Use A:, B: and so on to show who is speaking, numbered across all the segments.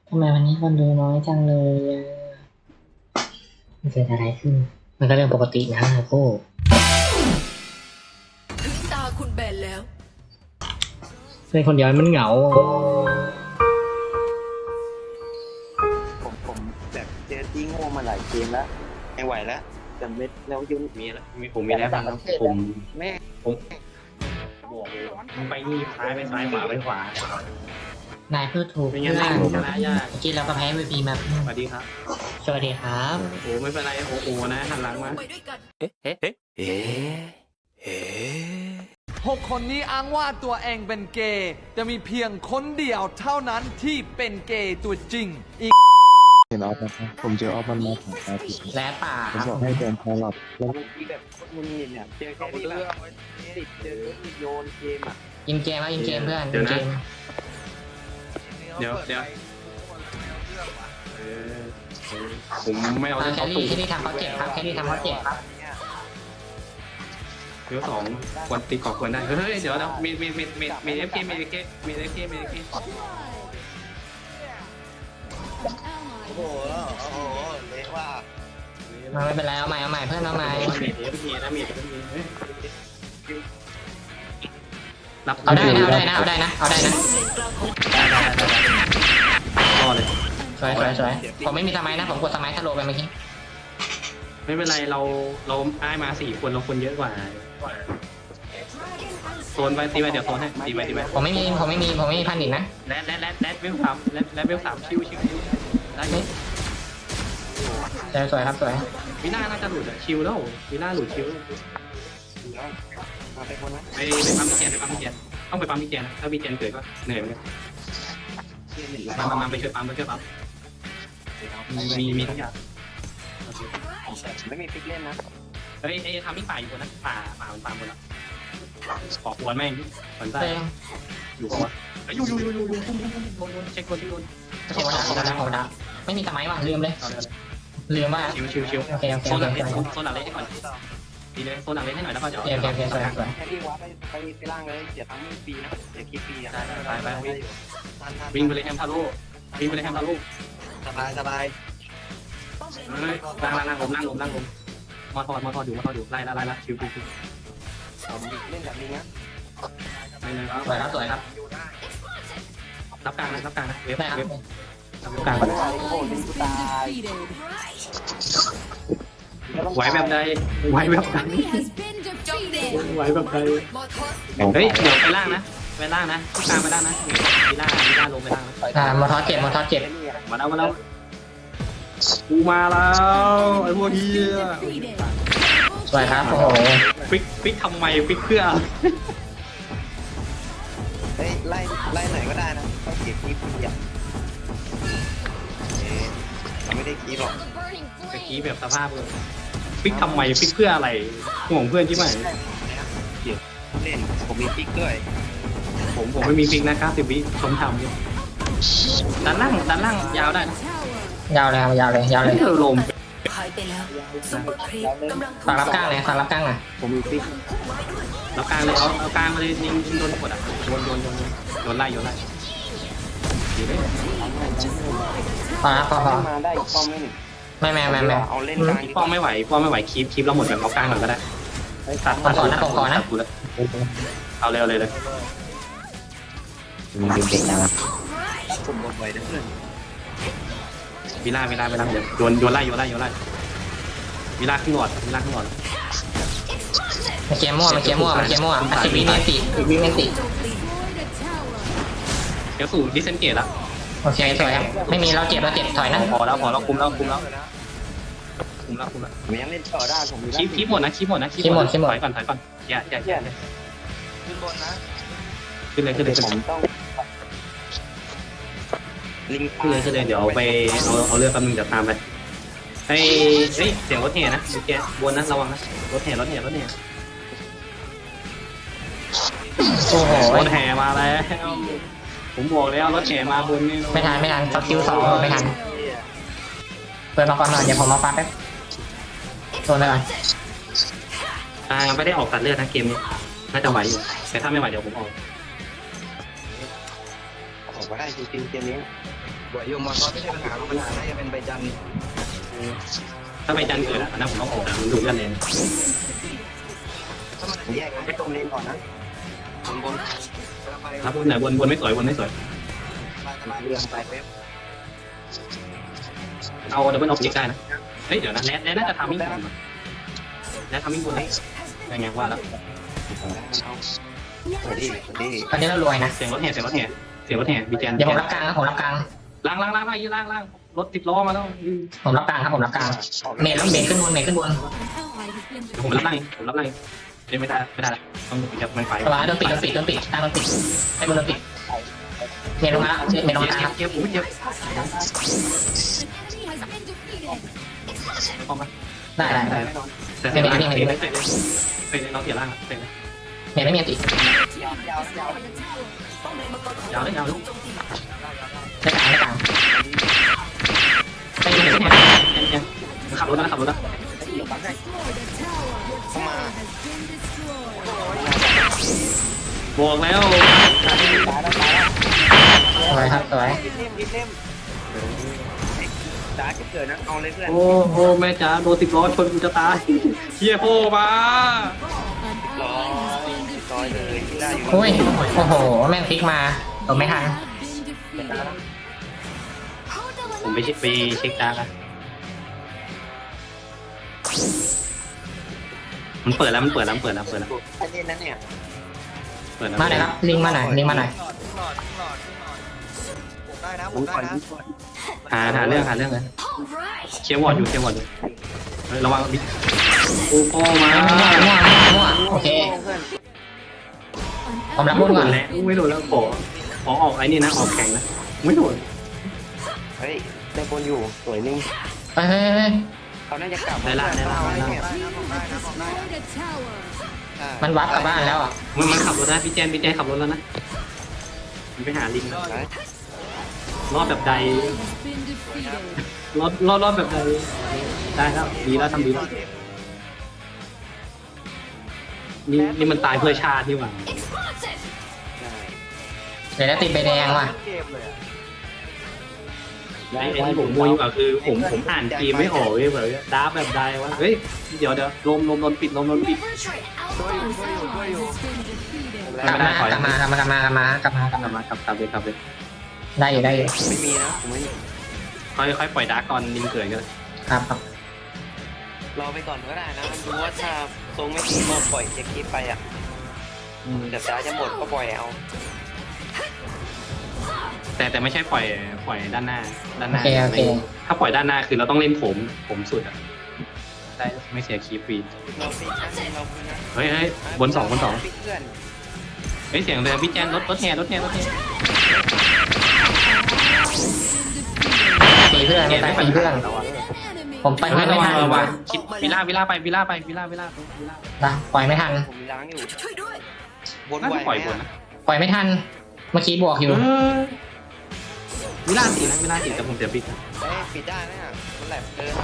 A: ทำไมวันนี้คนดูน้อยจังเลยอะมันเกิดอะไรขึ้นมันก็เรื่องปกตินะโก้
B: ถึงตาคุณแบนแล้ว
A: เป็นคนเดียวมันเหงา
C: ผมแบบเจอที่โง่มาหลายเกมแล้วไม่ไหวแล้วจำเม็ดแล้วยุ่ง
D: มีแล้วผมมีแล้วครับผม
C: แม่
D: ผมบอกเลยมึงไปนี่ซ้ายไปซ้ายขวาไปขวาน
A: ายพูดถูก
D: ไม่
A: เพื่
D: งั้
A: อน น
D: ชนะยาก
A: เมื่อกี้เราก็แพ้วีพีมา
D: สวัสดีครับ
A: สวัสดีครับ
D: โอ้ไม่เป็นไรโอ้โหนะหันหลังมา
B: ไปด้วยกัน
E: 6 คนนี้อ้างว่าตัวเองเป็นเกย์จะมีเพียงคนเดียวเท่านั้นที่เป็นเกย์ตัวจริงอีก
F: เห็นออฟนะครับผมเจอออฟมันมาถามอาทิตย์
A: และป่า
F: ผมบอกให้เดินพอหลับแล้ว
C: บางทีแบบคนมึนเนี่ยเจอแค่นี้แบบติดเจอโยนเกมอ่ะ
A: ยิงเกมว่ายิงเกมเพื่อน
D: เดี๋ยว
A: ยิง
D: นะ
A: เกม
D: เดี๋ยวผมไม่เอา
A: แค
D: เขา
A: รี่
D: ตู่
A: แครี่ทำเขาเจ็บครับแครี่ทำเขาเจ็บครับ
D: เดี๋ยวสองควรตีกรอบควรได้เฮ้ยเดี๋ยวนะมีเอฟเคมีเอฟเคมีเอฟเคมีเอฟเค
C: โอ้โหเละว่า
A: มาไม่เป็นไรเอาใหม่เพื่อนเอาใหม่
D: มีเอฟเคนะมีเอฟเครับ
A: เอาได้นะเอาได้นะ
D: รอเลย
A: สวยผมไม่มีสมัยนะผมกดสมัยทะโลไปเมื่อกี้
D: ไม่เป็นไรเราได้มา4 คนเราคนเยอะกว่าโซนไปตีไปเดี๋ยวโซนให้ตีไป
A: ผมไม่มีพันอีกนะ
D: แรดเวล3ชิวได้
A: สวยครับสวย
D: วิน่าน่าจะหลุดชิวแล้ววิน่าหลุดชิว
C: มาไปคนนะ
D: ไปปั๊มมิเจนต้องไปปั๊มมิเจนถ้ามิเจนเกิดก็เหนื่อยเหมือนกันมาไปช่วยปั๊มมีทุกอย่าง
C: ไม่มีฟิกเล่นนะ
D: เฮ้ยทำมิป่าอยู่คนนะป่ามันป่าหมดแล้วขอควรแม่งสนใจ
A: เต้ง
D: อยู่ปะวะอยู่โดนเช็คคนที่โดน
A: ผมดักไม่มีสมัยว่ะลืมเลยลืมว่า
D: ชิว
A: โอเค
D: โซนหลังเล่นให้ก่อนดีเลยโซนหลังเล่นให้หน่อยแล้วก็เดี๋ยว
A: โอเคสวย
C: แค่ที่วัดไปล่างเลยเสียทั้งฟรีนะเสียคลิปฟรีอ่ะ
D: ไปวิ่งไปเลยแฮมทาโร่
C: สบาย
D: นั่งลมมอทอดอยู่ไล่ละชิว
C: ผมเล่นแบบนี้นะ
D: ไปเลย
A: สวยครับ
D: รับกลางนะเว็บ
A: ได้ครับ
D: กลาง
C: โอ้โหลิงกูตาย
D: ไหวแบบใดไหวแบบใด
B: มอทอส
D: เฮ้ยเดี๋ยวไปล่างนะกลางไปล่างนะมีล่าลงไปล่างนะ
A: มอทอสเจ็บ
D: มาแล้วกูมาแล้วไอ้พวกเฮีย
A: สวยครับโอ้โห
D: ฟิกทำไมฟิกเพื่อ
C: เฮ้ยไล่ไหนก็ได้นะต้องเก็บคลิปฟรีอ่ะเราไม่ได้คลิปหรอก
D: ตะกี้แบบสภาพเลยฟิกทำไมฟิกเพื่ออะไรห่วงเพื่อนที่ไหน
C: เล่นผมมีฟิกด้วย
D: ผมไม่มีฟิกนะ90 วิชมทำอยู่ด้านล่างยาวได้นะ
A: ยาวเลย
D: เธอลม
B: หายไปแล้วซุปเปอร์ครีปกำลัง
A: ฝากรับกลางหน่อย
C: ผมมีฟิก
D: แล้วกลางเลยเอากลางมาเลยยิงโดนกดอ่ะโดนไล่ดีเลย
A: พอพอ
C: มาได้อีกป้อมนึง
A: ไม่
C: เอาเล่นกลาง
D: ป้อมไม่ไหวคลิปเราหมดแบบเอากลางก่อนก็ได้ตัดกูแล้วเอาเร็วเลย
C: ผมหมดไว้นะเพื่อน
D: วิล่าเดี๋ยวโดนไล่วิล่าขึ้นหลอด
A: มันเกมมั่วอาชีพวิเมนติ
D: เดี๋ยวสู่ดิเซนเกตละ
A: โอเคสวยครับไม่มีเราเจ็บถอยนะ
D: พอแล้วคุมแล้ว
C: ผมยังเล่นต่อได้ผมมี
D: คลิปหมดนะถอยก่อนอย่า
C: ขึ้นบนนะ
D: ขึ้นเลย
C: ผมต้องลิง
D: ขึ้นเลยเดี๋ยวไปเอาเรือแป๊บนึงเดี๋ยวตามไปเฮ้ยเสียงรถแห่นะแกบนนะระวังนะรถแห่
A: โอ้โห
D: รถแห่มาแล้วผมบอกแล้วรถแห่มาบนนี่
A: ไม่ทันสกิล2ไม่ทันเปิดมาก่อนหน่อยเดี๋ยวผมมาฟังแป๊บโซนเลยก่อน
D: ไม่ได้ออกตัดเลือดนะเกมนี้น่าจะไหวอยู่แต่ถ้าไม่ไหวเดี๋ยวผมออก
C: ว่าได้จริงๆเกมนี้
G: บวกโยมมอสไม่ใช่ปัญหาน่าจะเป็นใบจัน
D: ถ้าไปจันเกิดอ่ะนะผมต้องออกแต่มันดูกันเลย
C: แยกกันไปตรงเลนก่อนนะบน
D: ครับไหนบนไม่สวยบนไม่สวย
C: มาเรื่องไปเว็บ
D: เอาดับเบิลออฟจิกได้นะเฮ้ยเดี๋ยวนะแนทน่าจะทำมิ่งบนแนททำมิ่งบนได้ยังไงว่าแล้ว
C: สวัสดี
A: ตอนนี้เรารวยนะ
D: เสียงรถแห่บีแจน
A: เดี๋ยวผมรับกลางนะผมรับกลาง
D: ล่างรถติดล้อมาแล้ว
A: ผมรับกลางครับผมรับกลางเมย์ต้องเบรกขึ้นบนเบรกขึ้นบน
D: ผมรับล่างไม่ได้ละต้องจับมันไฟ
A: ระวังโดนปิดตั้งโดนปิดให้บนโดนปิดเมย์ลงมาเมย์ลงมาครับ
D: เจ็บผมเจ็บพอมา
A: ได้
D: แต่เเราเสียล่างเสร็จ
A: เมย์ไม่มีอันติ
D: ยาวเลย
A: ได้กลางไปดูหน่อย
D: ขับรถนะ
C: เข้ามา
D: บอกแล้ว
A: สวยครับสวย
C: รีบเล่มดาจะเกิดนะเอาเลยเพื่อน
D: โอ้โหแม่จ๋าโดนติดล้อชนกูจะตายเฮียโผล่มา
C: ร้อยเลยที่ได้อยู่
A: โอ้ยโอ้โหแม่งพลิกมาผมไม่ทัน
D: ผมไปเช็คดาร์กมันเปิดแล้ว
C: อันนี้นั่นเนี่ย
D: เปิดแล้ว
A: มาหน่อยครับลิงมาหน่อย
G: ผมได้นะผมได้นะ
D: หาเรื่องเลยเชียร์วอร์ดอยู่ระวังบิ๊กโอ้โหมา
A: มั่วโอเคผมรับ
D: ไม่
A: บน
D: โด
A: ก่อน น
D: แล้วไม่โดนแล้วขอออกไอ้นี่นะออกแข่งนะไม่โดน
C: เฮ้ยได้บนอยู่สวยนิ่ง
A: เฮ้ย
C: เขาน่าจะกลับ
G: ได้นะผมได้นะ
A: มันวับกลับบ้านแล้วอ่ะ
D: มันขับรถได้พี่แจนขับรถแล้วนะมันไปหาลิงรอบแบบใดรอบแบบใดได้ครับดีแล้วทำดีแล้วนี่มันตายเพื่อชาตินี่หว่า
A: เดี๋ยวติดใบแดงว่ะ
G: เกมเลย
D: ไอ้ที่ผมมัวอยู่อะคือผมอ่านเกมไม่ออกเลยแบบดาแบบใดวะเฮ้ยเดี๋ยวลมโดนปิด
G: ช่วยอยู่
A: กลับมากลับเลยได้อยู่
C: ไม่มีนะผมไม่
D: ค่อยปล่อยดาร์กก่อนลิงเกิดกัน
A: ครับ
C: รอไปก่อนก็ได้นะดูว่าถ้าทรงไม่ดีก็ปล่อยเช็คคลิปไปอ่ะเดี๋ยวดาจะหมดก็ปล่อยเอา
D: แต่ไม่ใช่ปล่อยด้านหน้า
A: โอเค
D: ถ้าปล่อยด้านหน้าคือเราต้องเล่นผมสุดอะได้ไม่เสียคีฟรี
C: เราฟิกนะเราฟิกนะ
D: เฮ้ยบนสอง
C: ฟิกเพื่อน
D: เฮ้ยเสียงเลยพี่แจนรถแห่
A: ตีเพื่อนไม่ตีเพื่อนผมไปไม่ทัน
D: ระวังคิดวิล่าไปวิล่า
A: นะปล่อยไม่ทัน
C: ผมมีล้างอยู่
B: ช่วยด้วย
C: บน
D: น่า
C: ไหว
D: จะปล่อยบนนะ
A: ปล่อยไม่ทันเมื่อกี้บวกอยู่
D: วิล่าสีแต่ผมเสียปิด
C: ปิดได้ไหมอ่ะมันแหลมเกิน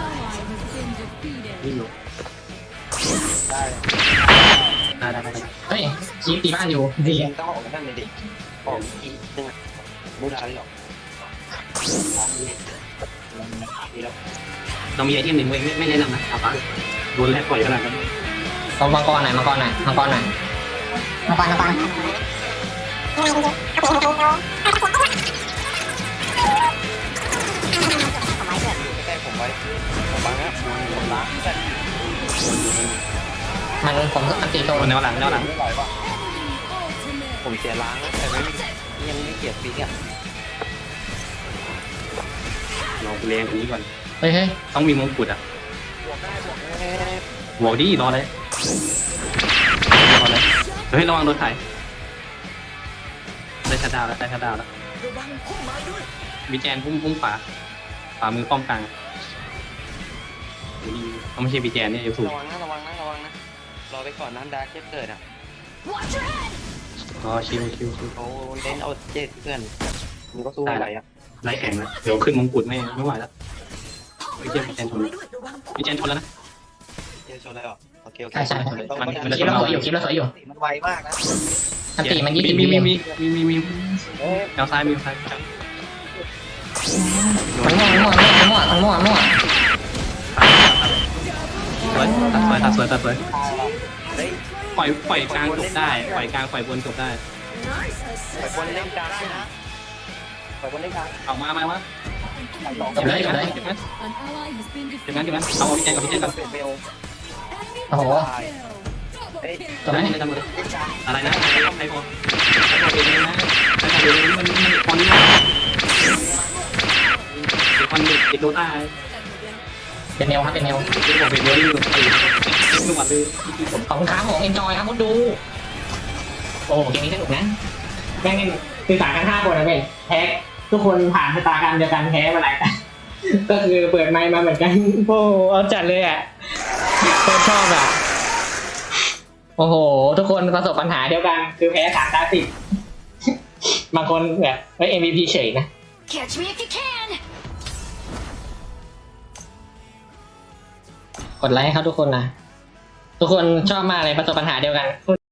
D: นี่อยู่ได้
A: เฮ้ยคีบตีบ้านอยู่ดี
C: ต้องออกนั่นเลยดิออกอีกนึงอ่ะไม่ได้หรอก
D: ต้องมีไอเทมหนึ่งไม่แนะนำนะเอาปะโดนแรกปล่อยขนาดนั้น
A: ต้องมังกรหน่อย
C: แต่ผมไว้ผมบังนะผมล้างแต่
A: มันผมอันตีโซน
D: แนวหลัง
C: ไม่ไหวว่ะผมเสียล้างนะแต่ยังไม่เกียดฟิกอ่ะ
D: เราเรียงนี้ก่อน
A: เฮ้ย
D: ต้องมีมงกุฎอ่ะบวกดิรอเลยเฮ้ยระวังโดนถ่ายได้ชัดดาวแล้วมีแจนพุ่งขวามือป้อมกลางเขาไม่ใช่บีแจนเนี่ยอยู่สูง
C: ระวังนะรอไปก่อนนั้นดาร์กจะเกิดอ่ะ
D: อ๋อชิว
C: เขาเล่นเอาเจ็ดเพื่อนมันก็สู้อะไรอ่ะ
D: ไล่แข่งแล้วเดี๋ยวขึ้นมงกุฎไม่ไหวแล้วบีแจนชนแล้วนะ
C: เจอชนอะไรหรอโอเค
A: ใช่คลิปเราสวยอยู่
C: มันไวมากนะ
A: อันตีมัน20
D: มี
A: วิเอง
D: แถวซ้ายมีซ้าย
A: มันมั่ว
D: สวยปล่อยกลางจบได้ปล่อยกลางปล่อยบนจบได้
C: ไปบนเล่นกลางด้วยนะไปบนเล่นกลาง
D: เอามา
A: จบเลย
D: เดี๋ยวนั้นเอาพี่แจงกับพี่แจงกัน
C: เป็นเบล
A: โอ้โห
C: เฮ้ย
A: จบไหม
D: อะไรนะใครพอมันคอนติดโดต้า
A: เป็นแนวครับเป็นแนว
D: ที่บอกเป็นเยอะนี่ทุกวันเลย
A: ขอบคุณครับผมเอนจอยครับคุณดูโอ้เกมนี้สนุกนะแม่งคือสายกัน5 คนนะเว้ยแพ้ทุกคนผ่านชะตากรรมเดียวกันแพ้มาหลายแต่ก็คือเปิดไมค์มาเหมือนกันโอ้เอาจัดเลยอ่ะคนชอบอ่ะโอ้โหทุกคนประสบปัญหาเดียวกันคือแพ้3 ตา 10บางคนแบบMVP เฉยนะ
B: Catch me if you can
A: กดไลค์ให้เขาทุกคนนะ ทุกคนชอบมากเลยประสบปัญหาเดียวกัน